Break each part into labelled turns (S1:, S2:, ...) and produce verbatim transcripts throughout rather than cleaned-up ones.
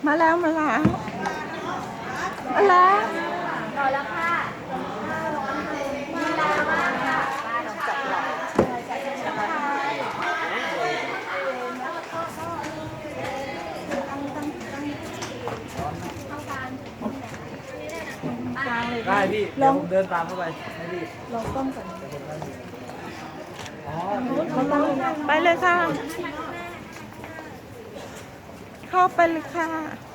S1: มาแล้วมาแล้วมาแล้ว
S2: รอแล้วค่ะมีลามากค่ะป้าลองจับหลอด
S3: ได้พี่เดี๋ยวผมเดินตามเข้าไปให้พี่
S1: ลองต้มก่อน
S3: อ๋อ
S1: ไปเลยค่ะ เข้าไปเลยค่ะ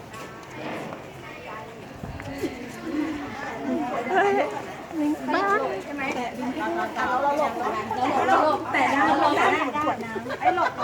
S1: เฮ้ยลิงบ้า
S2: ใช่ไหมแต่ดินที่เราเราหลบเราหลบแต่ได้เราได้ขวดน้ำไอ้หลบ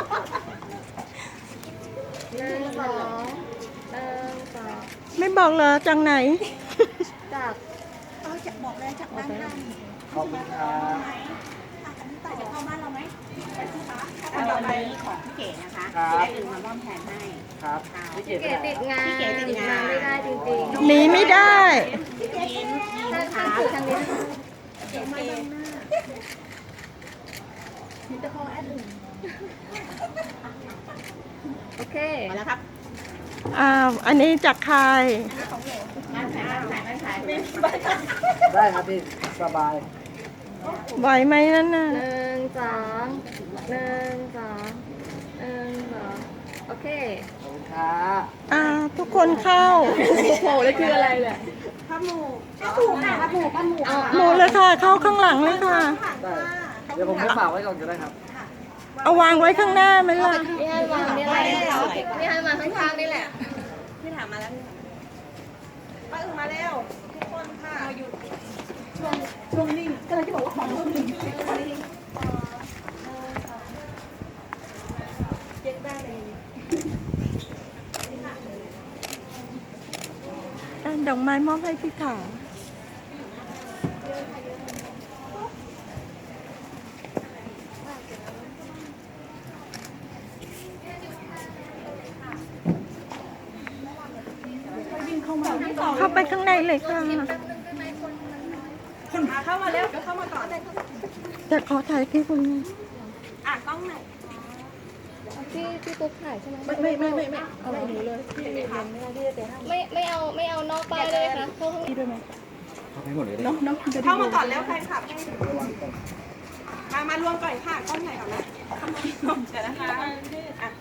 S2: หนึ่งสองหนึ่งสอง
S1: ไม่บอกเหรอจังไหน
S2: จากเออจากบอกเลยจากด้านล่าง
S3: ขอบคุณครับ
S2: อันนี้ต่อจะเข้าบ้านเราไหมอันต่อไปของพี่เก๋นะคะได้อื่นมามอบแทนให้
S3: ครับพี่เก๋
S2: พี่เก๋ติดงานพี่เก๋ติดงานไม่ได้จริงๆ
S1: หนีไม่ได้
S2: ยิ้มยิ้มขาทางนี้เก๋มายังหน้ามีแต่ของแอดอื่นโอเคมาแล้วครับ
S1: อ้าว อันนี้จากใคร
S2: บ้านขายบ้านขายบ้านขาย
S3: ได้ครับพี่สบาย
S1: ไหวไหมนั่นน่ะ
S2: หนึ่งสองหนึ่งสองหนึ่งสองโอเค
S3: ขอบคุณครับ
S1: อ่า ทุกคนเข้า
S2: โผล่เลยคืออะไรเลยข้าวหมูข้าวหมูค่ะข้าวหมูข้าวหมู
S1: หมูเลยค่ะ เข้าข้างหลังเลยค่ะ
S3: ได้เดี๋ยวผมไปฝากไว้ก่อนก็ได้ครับ
S1: เอาวางไว้ข้างหน้าไหมล่ะ
S2: นี่ให้วางนี่แหละนี่ให้มาข้างๆนี่แหละ
S4: พี่ถามมาแล้วพี่ถามป้าอึ่งมาแล้วทุกคนค่ะอยู่ช่วงช่วงนิ่งก็เลยที่บอกว่าของช่วงนิ่งเย็นได้เลย
S1: อ่ะดอกไม้มอบให้พี่ขาวเข้าไปข้างในเลยค่ะ
S4: เข้ามาแล้วเข้ามาก่อน
S1: แต่ขอถ่ายพี่คนนี้
S4: อ่ะกล้องไหน
S2: พี่พี่กุ๊กถ่ายใช่ไหม
S4: ไม่ไม่ไม่ไม่ไม่เอาหนูเลยพี่ไม่ทำ
S2: ไม่ไม่เอาไม่เอานอกป้ายเลยค่ะเข้าข้างใน
S3: เข้าไปหมดเลย
S1: น้องน้องจะ
S4: เข้ามาก่อนแล้วใครขับมามารวมก่อนค่ะกล้องไหนก่อนนะเข้ามารวมเดี๋ยวนะคะอ่ะ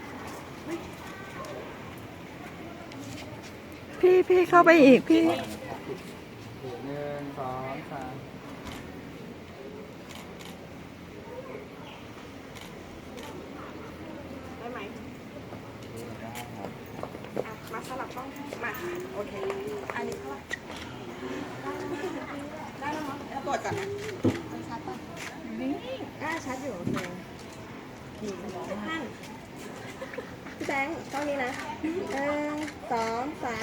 S1: พี่พี่เข้าไปอีกพี่
S3: หนึ่งสองสาม
S4: ได้ไหมอ่ะมาสลับกล้องมาโอเคอันนี้เท่าไหร่ได้แล้วมั้งแล้วตรวจก่อนนะ
S2: อ่าชัดอยู่โอเค
S4: ท่าน
S2: พี่แบงค์กล้องนี้นะหนึ่งสองสาม